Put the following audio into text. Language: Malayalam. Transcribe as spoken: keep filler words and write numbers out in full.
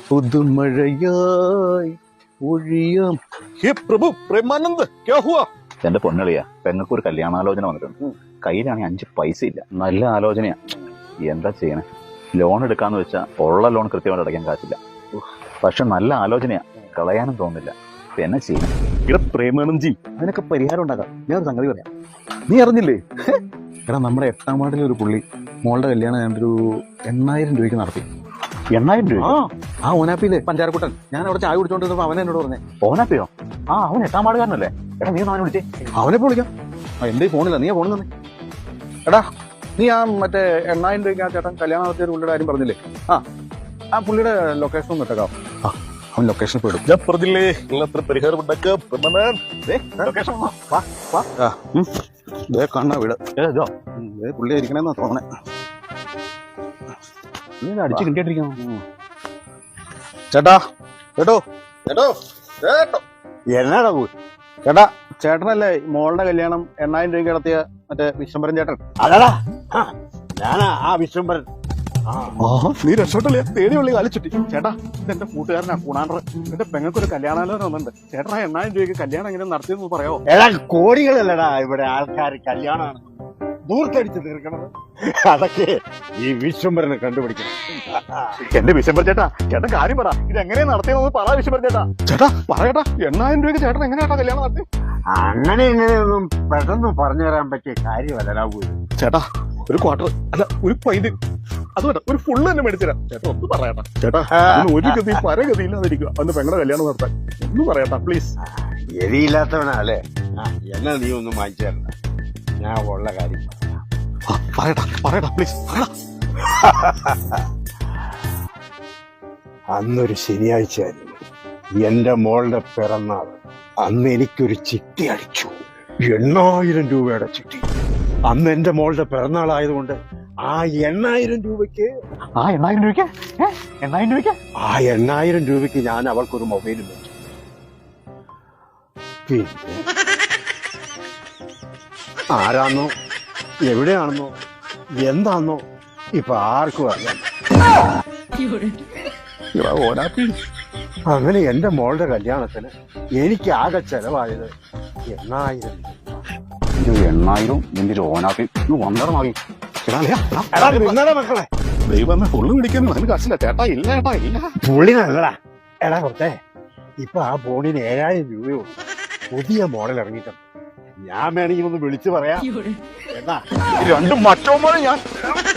പുതുമഴയായി ഒഴിയാം. ഹേ പ്രഭു പ്രേമാനന്ദ്, ക്യാ ഹുവാ? എന്റെ പൊന്നളിയാ, പെങ്ങൾക്ക് ഒരു കല്യാണാലോചന വന്നിട്ടുണ്ട്. കയ്യിലാണെങ്കിൽ അഞ്ച് പൈസ ഇല്ല. നല്ല ആലോചനയാ, എന്താ ചെയ്യണേ? ലോൺ എടുക്കാന്ന് വെച്ചാൽ ഉള്ള ലോൺ കൃത്യമായിട്ട് അടയ്ക്കാൻ കാശില്ല. പക്ഷെ നല്ല ആലോചനയാ, കളയാനും തോന്നില്ല. എന്നെ ചെയ്യണം? ഇവിടെ പ്രേമാനന്ദ് ജി, അതിനൊക്കെ പരിഹാരം ഉണ്ടാക്കാം. ഞാൻ ഒരു സംഗതി പറയാം. നീ അറിഞ്ഞില്ലേ? എടാ, നമ്മുടെ എട്ടാം വാർഡിലെ ഒരു പുള്ളി മോളുടെ കല്യാണം ഞാനൊരു എണ്ണായിരം രൂപയ്ക്ക് നടത്തി. എണ്ണായിരം രൂപ? ആ ഓനാപ്പിയിലെ പഞ്ചാരക്കുട്ടൻ. ഞാൻ അവിടെ ചായ കുടിച്ചോണ്ടിരുന്നപ്പോ അവൻ എന്നോട് പറഞ്ഞേ. ഓനാപ്പിയോ? ആ, അവൻ എട്ടാം വാർഡുകാരനല്ലേ? എടാ, നീ അവനെ വിളിച്ചേ. അവനെ വിളിക്കാം. എന്റെ ഫോണില്ല, നീ ഫോണിൽ തന്നെ. എടാ, നീ ആ മറ്റേ എണ്ണായിരം രൂപയ്ക്ക് ആ ചേട്ടൻ കല്യാണം നടത്തിയ ഒരു പുള്ളിയുടെ കാര്യം പറഞ്ഞില്ലേ? ആ ആ പുള്ളിയുടെ ലൊക്കേഷൻ ഒന്ന് ഇട്ടേക്കാം. ആ, അവൻ ലൊക്കേഷൻ പോയിടും. ഞാൻ പറഞ്ഞില്ലേ നിങ്ങളത്ര പരിഹാരം ഉണ്ടാക്കാം. കണ്ണ വീട് പുള്ളി ഇരിക്കണെന്നാ തോന്നണേ. നീ അടിച്ചു കിട്ടിയിട്ടിരിക്കണം. ചേട്ടാ കേട്ടോ ചേട്ടോ ചേട്ടോ എന്നാടാ പോയി? ചേട്ടാ, ചേട്ടനല്ലേ മോളുടെ കല്യാണം എണ്ണായിരം രൂപയ്ക്ക് നടത്തിയ മറ്റേ വിശ്വംഭരൻ ചേട്ടൻ? അതാ ഞാനാ ആ വിശ്വംഭരൻ. നീ രക്ഷപ്പെട്ടല്ലേ? തേടി ഉള്ളി കാലിച്ചുട്ടി. ചേട്ടാ, ഇതെന്റെ കൂട്ടുകാരനാ കൂണാണ്ടർ. എന്റെ പെങ്ങൾക്കൊരു കല്യാണാലോചന വന്നിട്ടുണ്ട്. ചേട്ടാ, എണ്ണായിരം രൂപയ്ക്ക് കല്യാണം എങ്ങനെ നടത്തിയെന്ന് പറയാമോ? എടാ, കോടികളല്ലടാ ഇവിടെ ആൾക്കാർ കല്യാണമാണ് ദൂർത്തടിച്ച് തീർക്കണത്. അതൊക്കെ ഈ വിശ്വംഭരനെ കണ്ടുപിടിക്കണം. എന്റെ വിശ്വംഭര ചേട്ടാ, ചേട്ടൻ കാര്യം പറ. ഇത് എങ്ങനെയാ നടത്തിയെന്ന് പറ വിശ്വംഭര ചേട്ടാ. ചേട്ടാ പറയട്ടാ, എണ്ണായിരം രൂപയ്ക്ക് ചേട്ടൻ എങ്ങനെയാട്ടാ കല്യാണം നടത്തി? അങ്ങനെ ഇങ്ങനെയൊന്നും പെട്ടെന്ന് പറഞ്ഞു തരാൻ പറ്റിയ കാര്യമല്ലടാ പോയി. ചേട്ടാ, ഒരു ക്വാർട്ടർ അല്ല ഒരു പൈന്, അതുകൊണ്ട് ഒരു ഫുള്ള് തന്നെ മേടിച്ചുതരാം. ചേട്ടാ ഒന്ന് പറയട്ടാ. ചേട്ടാ, ഒരു ഗതി പരഗതി ഇല്ലാതിരിക്കുക അന്ന് പെങ്ങളുടെ കല്യാണം നടത്താൻ. ഒന്ന് പറയട്ടാ പ്ലീസ്. ഗതിയില്ലാത്തവനല്ലേ? എന്നാ നീ ഒന്നും വാങ്ങിച്ചു തരണ്ട, ഞാൻ ഉള്ള കാര്യം പറയട്ടാ പറയട്ടാ പ്ലീസ്. അന്നൊരു ശനിയാഴ്ചയായിരുന്നു എന്റെ മോളുടെ പിറന്നാൾ. അന്ന് എനിക്കൊരു ചിട്ടി അടിച്ചു, എണ്ണായിരം രൂപയുടെ ചിട്ടി. അന്ന് എന്റെ മോളുടെ പിറന്നാളായതുകൊണ്ട് ആ എണ്ണായിരം രൂപയ്ക്ക് ആ എണ്ണായിരം രൂപയ്ക്ക് എണ്ണായിരം രൂപയ്ക്ക് ആ എണ്ണായിരം രൂപയ്ക്ക് ഞാൻ അവൾക്കൊരു മൊബൈലും വെച്ചു. പിന്നെ ആരാന്നോ എവിടെയാണെന്നോ എന്താന്നോ ഇപ്പൊ ആർക്കും അറിയാം. അങ്ങനെ എന്റെ മോളുടെ കല്യാണത്തിന് എനിക്ക് ആകെ ചെലവായത് എണ്ണായിരം രൂപ. എണ്ണായിരം നിന്റെ ഒരു ഓനാപ്പി വന്നറമാകി. മക്കളെ, ദൈവം ഫുള്ള് പിടിക്കുന്നു. അതിന് കാശില്ല ചേട്ടാ. ഇല്ല ചേട്ടാ, ഇല്ല. പുള്ളിനല്ലടാ. എടാ കൊത്തേ, ഇപ്പൊ ആ ഫോണിന് ഏഴായിരം രൂപയുള്ളൂ. പുതിയ മോഡൽ ഇറങ്ങിയിട്ടുണ്ട്. ഞാൻ വേണമെങ്കിൽ ഒന്ന് വിളിച്ചു പറയാം. എന്നാ രണ്ടും മറ്റോ ഞാൻ